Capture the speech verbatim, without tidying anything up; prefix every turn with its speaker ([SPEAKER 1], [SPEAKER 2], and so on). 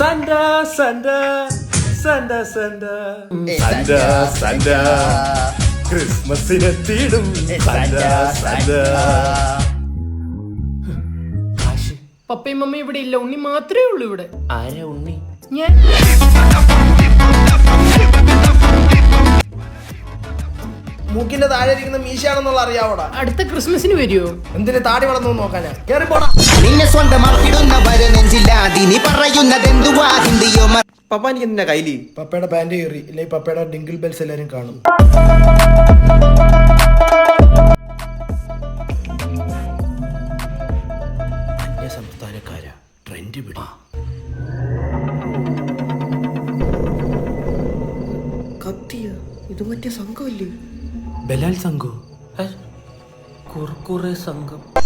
[SPEAKER 1] Santa, Santa, Santa, Santa, Santa, Santa. ക്രിസ്മസിനെത്തിയിടും Santa, Santa.
[SPEAKER 2] പപ്പയും മമ്മയും ഇവിടെ ഇല്ല, ഉണ്ണി മാത്രമേ ഉള്ളൂ ഇവിടെ.
[SPEAKER 1] ആരാ ഉണ്ണി?
[SPEAKER 2] ഞാൻ.
[SPEAKER 3] മൂക്കിന്റെ താഴെ ഇരിക്കുന്ന മീശയാണെന്നുള്ള അറിയാവോടാ?
[SPEAKER 2] അടുത്ത ക്രിസ്മസിന് വരുമോ?
[SPEAKER 3] എന്തിന് താടി വളർന്നു നോക്കാനാ? കേറി പോടാ.
[SPEAKER 4] നിന്നെ സ്വന്തമാക്കിടുന്നവരെ നെഞ്ചില്ലാതി നീ പറയുന്നതെന്തുവാ ഹിന്ദിയോ?
[SPEAKER 1] പപ്പ എനിക്ക് എന്തിനാ കയ്യില്?
[SPEAKER 3] പപ്പയുടെ പാന്റ് കയറി ഇല്ലെങ്കിൽ പപ്പയുടെ ഡിങ്കിൾ ബെൽസ് എല്ലാരും കാണും.
[SPEAKER 1] അന്യ സംസ്ഥാനക്കാരാ ട്രെൻഡ് പിടി.
[SPEAKER 3] കത്തിയ ഇത് മറ്റേ സംഘമല്ലേ?
[SPEAKER 1] ബലാൽ സംഘോ? കുർക്കുറെ സംഘം.